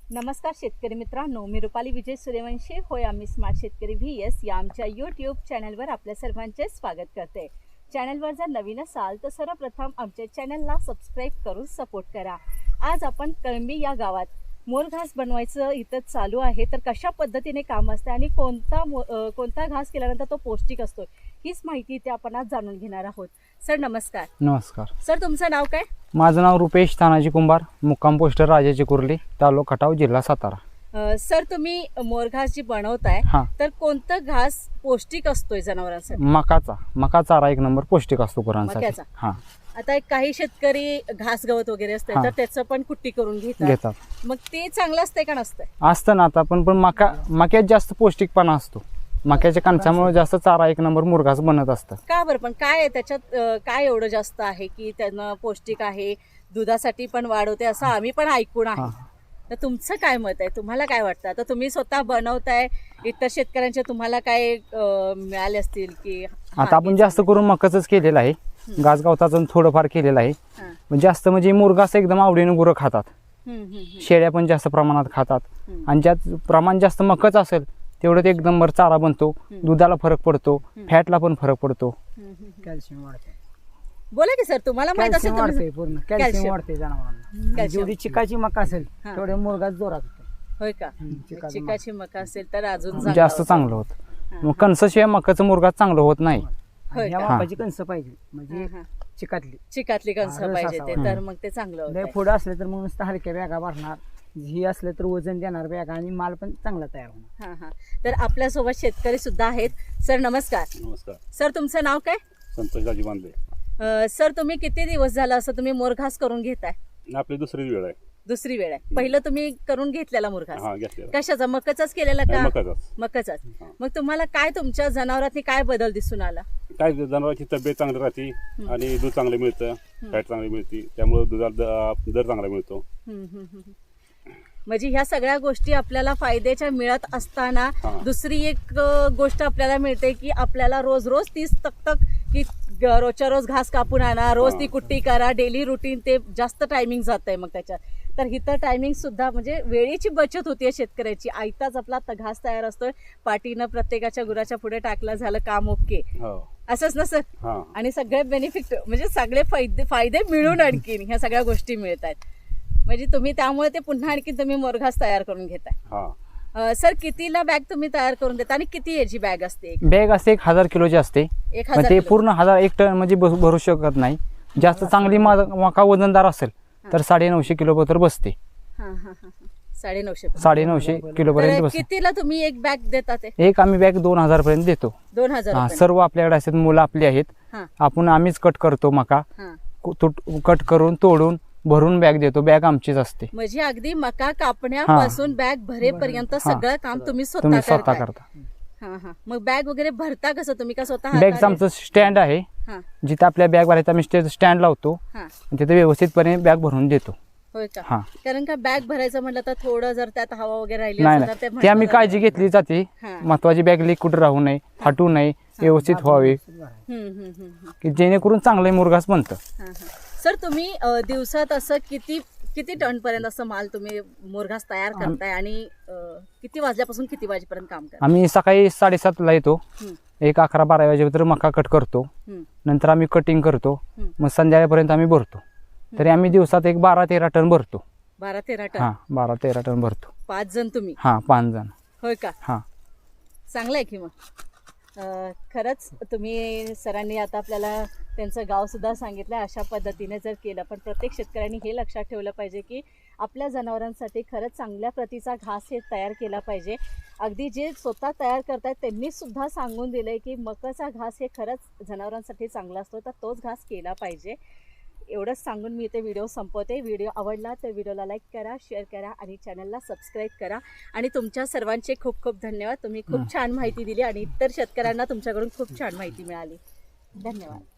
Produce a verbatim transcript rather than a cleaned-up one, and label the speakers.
Speaker 1: नमस्कार शेतकरी मित्रांनो, मी रुपाली विजय सूर्यवंशी होय आम्ही स्मार्ट शेतकरी व्ही एस या आमच्या यूट्यूब चॅनलवर आपल्या सर्वांचे स्वागत करते। चॅनलवर जर नवीन असाल तर सर्वप्रथम आमच्या चॅनलला सबस्क्राईब करून सपोर्ट करा। आज आपण कळंबी या गावात मोर घास बनवायचं इथं चालू आहे, तर कशा पद्धतीने काम असते आणि कोणता कोणता घास केल्यानंतर तो पौष्टिक असतो हीच माहिती इथे आपण आज जाणून घेणार आहोत। सर नमस्कार।
Speaker 2: नमस्कार
Speaker 1: सर, तुमचं नाव काय?
Speaker 2: माझं नाव रुपेश तानाजी कुंभार, मुक्काम पोस्ट राजाची कुर्ली, तालुका खटाव, जिल्हा सातारा।
Speaker 1: सर, तुम्ही मोर घास जी बनवताय तर कोणता घास पौष्टिक असतोय जनावरांसाठी?
Speaker 2: मकाचा मका चारा एक नंबर पौष्टिक असतो गुरांसाठी।
Speaker 1: मक्याचा?
Speaker 2: हा।
Speaker 1: आता एक काही शेतकरी घास गवत वगैरे असते तर त्याचं पण कुट्टी करून घेतात
Speaker 2: घेतात,
Speaker 1: मग ते चांगलं असतंय का नसतंय?
Speaker 2: असतं ना, आता पण पण मका मक्यात जास्त पौष्टिकपणा असतो। मक्याच्या कणसामुळे जास्त चारा एक नंबर मुरघास बनत असतं।
Speaker 1: का बरं? पण काय आहे त्याच्यात, काय एवढं जास्त आहे की त्यांना पौष्टिक आहे, दुधासाठी पण वाढवते असं आम्ही पण ऐकून आहे। तर तुमचं काय मत आहे? तुम्हाला काय वाटतं? आता तुम्ही स्वतः बनवताय, इतर शेतकऱ्यांचे तुम्हाला काय मिळाले असतील की?
Speaker 2: आता आपण जास्त करून मकाचंच केलेलं आहे, घास गवताचं थोडंफार केलेलं आहे। जास्त म्हणजे मुरघास एकदम आवडीने गुरं खातात, शेळ्या पण जास्त प्रमाणात खातात, आणि ज्यात प्रमाण जास्त मकाच असेल तेवढं ते एक नंबर चारा बनतो, दुधाला फरक पडतो, फॅटला पण फरक पडतो,
Speaker 3: कॅल्शियम वाढते।
Speaker 1: बोला की सर, तुम्हाला माहित असेल
Speaker 3: कॅल्शियम वाढते, पूर्ण कॅल्शियम वाढते जनावरांना। जेवढी चिकाची मका असेल तेवढे मुरघास जोरात होते।
Speaker 1: होय का? चिकाची मका असेल तर अजून
Speaker 2: जास्त चांगलं होतं। मग कणसाशिवाय मकाचं मुरघास चांगलं होत नाही।
Speaker 3: या मापाची कणस पाहिजे, म्हणजे चिकातली
Speaker 1: चिकातली कणस पाहिजे ते, तर मग ते चांगलं होतं।
Speaker 3: पुढे असले तर मग नुसतं हलक्या बॅगा भरणार, ही असले तर वजन देणार बॅगा, आणि माल पण चांगला तयार होणार।
Speaker 1: हा हा तर आपल्या सोबत शेतकरी सुद्धा आहेत। सर नमस्कार।
Speaker 4: नमस्कार
Speaker 1: सर, तुमचं नाव काय?
Speaker 4: संतोष दाजी बांधले।
Speaker 1: सर, तुम्ही किती दिवस झाला असं तुम्ही मोरघास करून घेताय?
Speaker 4: आपली दुसरी वेळ आहे।
Speaker 1: दुसरी वेळ आहे? पहिलं तुम्ही करून घेतलेला मोरघास
Speaker 4: हा, घेतलेला।
Speaker 1: कशाचा? मकाचाच केलेला का?
Speaker 4: मकाचाच।
Speaker 1: मकाचाच। मग तुम्हाला काय तुमच्या जनावरांनी काय बदल दिसून आला?
Speaker 4: काय जनावरांची तब्येत चांगली राहते आणि दूध चांगलं मिळतं, फॅट चांगली मिळते, त्यामुळे दुधाला दर चांगला मिळतो।
Speaker 1: म्हणजे ह्या सगळ्या गोष्टी आपल्याला फायद्याच्या मिळत असताना दुसरी एक गोष्ट आपल्याला मिळते की आपल्याला रोज रोज तीच तकतक की रोजच्या रोज घास कापून आणा, रोज ती कुट्टी करा, डेली रुटीन, ते जास्त टायमिंग जात आहे मग त्याच्यात। तर इथं टायमिंग सुद्धा म्हणजे वेळेची बचत होतीये शेतकऱ्याची। आयताच आपला घास तयार असतोय, पाठीनं प्रत्येकाच्या गुराच्या पुढे टाकलं, झालं काम, ओके, असंच ना सर? आणि सगळे बेनिफिट म्हणजे सगळे फायदे फायदे मिळून आणखीन ह्या सगळ्या गोष्टी मिळत आहेत, म्हणजे तुम्ही त्यामुळे ते पुन्हा आणखी तुम्ही मोरघास तयार करून घेताय। सर, कितीला बॅग तुम्ही तयार करून देता आणि किती याची बॅग असते?
Speaker 2: बॅग असते एक हजार किलोची असते, ते पूर्ण हजार एक टन म्हणजे भरू शकत नाही। जास्त चांगली मका वजनदार असेल तर साडे नऊशे किलो पर्यंत बसते।
Speaker 1: साडे नऊशे
Speaker 2: साडे नऊशे किलो पर्यंत बसते।
Speaker 1: कितीला तुम्ही एक बॅग देतात?
Speaker 2: एक आम्ही बॅग दोन हजार पर्यंत देतो।
Speaker 1: दोन हजार
Speaker 2: सर्व आपल्याकडे असतात, मुलं आपली आहेत, आपण आम्हीच कट करतो मका, कट करून तोडून भरून बॅग देतो, बॅग आमचीच असते।
Speaker 1: म्हणजे अगदी मका कापण्यापासून बॅग भरेपर्यंत सगळं काम तुम्ही
Speaker 2: स्वतः
Speaker 1: स्वतः
Speaker 2: करता।
Speaker 1: मग बॅग वगैरे भरता कसं तुम्ही? का स्वतः?
Speaker 2: बॅगचं आमचं स्टँड आहे, जिथे आपल्या बॅग भरायचा आम्ही स्टँड लावतो, तिथे व्यवस्थितपणे बॅग भरून देतो।
Speaker 1: होय का? कारण का बॅग भरायचं म्हटलं तर थोडं जर त्यात हवा वगैरे राहिली
Speaker 2: नाही, ते आम्ही काळजी घेतली जाते, महत्वाची बॅग लीक कुठे राहू नये, फाटू नये, व्यवस्थित व्हावे, की जेणेकरून चांगलं मुरघास बनतं।
Speaker 1: सर, तुम्ही दिवसात असं किती किती टन पर्यंत असं माल तुम्ही मोरघास तयार करताय आणि किती वाजल्यापासून किती वाजेपर्यंत काम करताय?
Speaker 2: आम्ही सकाळी साडेसात ला येतो, एक अकरा बारा वाजेपर्यंत मका कट करतो, नंतर आम्ही कटिंग करतो, मग संध्याकाळपर्यंत आम्ही भरतो। तरी आम्ही दिवसात एक बारा तेरा टन भरतो।
Speaker 1: बारा तेरा टन?
Speaker 2: हा, बारा तेरा टन भरतो।
Speaker 1: पाच जण तुम्ही?
Speaker 2: हा, पाच जण।
Speaker 1: होय का?
Speaker 2: हा,
Speaker 1: चांगलं आहे की मग। खरंच तुम्ही सरांनी आता आपल्याला त्यांचं गाव सुद्धा सांगितलं, अशा पद्धतीने जर केलं, पण प्रत्येक शेतकऱ्यांनी हे लक्षात ठेवलं पाहिजे की आपल्या जनावरांसाठी खरंच चांगल्या प्रतीचा घास हे तयार केला पाहिजे। अगदी जे स्वतः तयार करतायत त्यांनी सुद्धा सांगून दिलंय की मकाचा घास हे खरंच जनावरांसाठी चांगला असतो, तर तोच घास केला पाहिजे। एवढंच सांगून मी इथे व्हिडिओ संपवते। व्हिडिओ आवडला तर व्हिडिओला लाईक करा, शेअर करा आणि चॅनलला सबस्क्राईब करा। आणि तुमच्या सर्वांचे खूप खूप धन्यवाद। तुम्ही खूप छान माहिती दिली आणि इतर शेतकऱ्यांना तुमच्याकडून खूप छान माहिती मिळाली। धन्यवाद।